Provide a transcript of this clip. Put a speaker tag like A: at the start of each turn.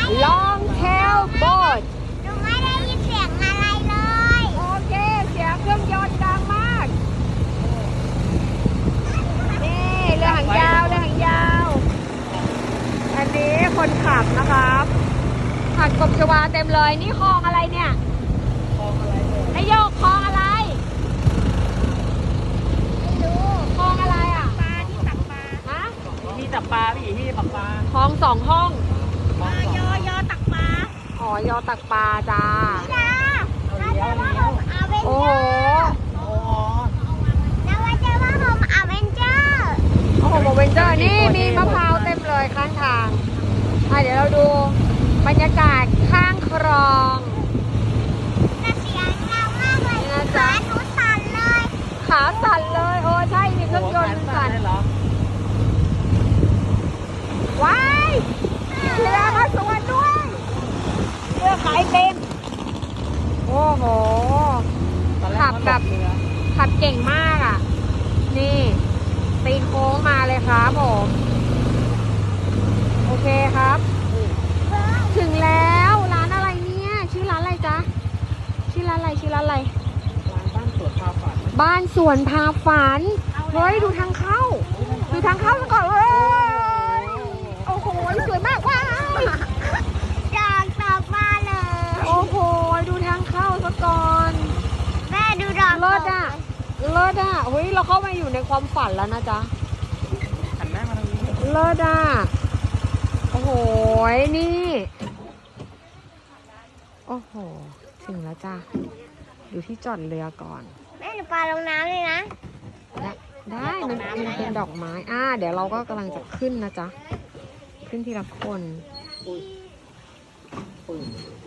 A: long tail boat
B: หนูไม่ได้ยินเสียงอะไรเลย
A: โอเคเสียงเครื่องยนต์ดังมากนี่เรือหางยาวเรือหางยาวอันนี้คนขับนะครับผัดกบชวาเต็มเลยนี่คลองอะไรเนี่ย
C: คลองอะไรเนี่ย
A: นายโยกคลองอะไร
B: ไม่รู้
A: คลองอะไรอ่ะ
B: ปลาที่ตักปลา
A: ฮะ
C: ที่จับปลาพี่ที่จับปลา
A: คลองสองห้อง
C: คลองสอง
B: ยอตักปลา
A: อ๋อยอตักปลาจ้า
B: พี่ดาเราจะว่าผมอเวน
A: โอ้
B: เจ
A: โห
B: อร์
C: โอ้
B: เราจะว่าผมอเวนเจอร์
A: โอ้โหเวนเจอร์นี่มีมะพร้าวเต็มเลยข้างทางเดี๋ยวเราดูบรรยากาศข้างคลอง
B: แต่เสียงดังมากเลย
A: นี่นะจ๊ะ
B: ขาหนูสั่นเลย
A: ขาสั่นเลยโอ้ใช่มีเครื่องยนต์สั่น
C: ได้เหรอ
A: ว้ายเรือมาสวนด้วยเรือขายเป็นโอ้โห
C: ตอนแรก
A: ขับแบบ
C: เรือ
A: ขับเก่งมากอ่ะ นี่ตีโค้งมาเลยครับผม โอเคครับ ถึงแล้วร้านอะไรเนี่ยชื่อร้านอะไรจ๊ะชื่อร้านอะไรชื่อร้านอะไร
C: ร้านบ้านสวนพาฝัน
A: บ้านสวนพาฝันเฮ้ยดูทางเข้าดูทางเข้าซะก่อนเว้ยโอ้โหสวยมากว้าว
B: อยากตักปลาเลย
A: โอ้โหดูทางเข้าซะก่อน
B: แม่ดูดอก
A: เลิศอ่ะเลิศอ่ะเฮ้ยเราเข้ามาอยู่ในความฝันแล้วนะจ๊ะ
C: หันหน้ามาทางนี้
A: เลิศอ่ะโอ้โหนี่โอ้โหถึงแล้วจ้ะดูที่จอดเรือก่อน
B: แม่หนูปลาลงน้ำเลยนะ
A: ได้มันเป็นดอกไม้เดี๋ยวเราก็กำลังจะขึ้นนะจ๊ะขึ้นทีละคน
C: ปืน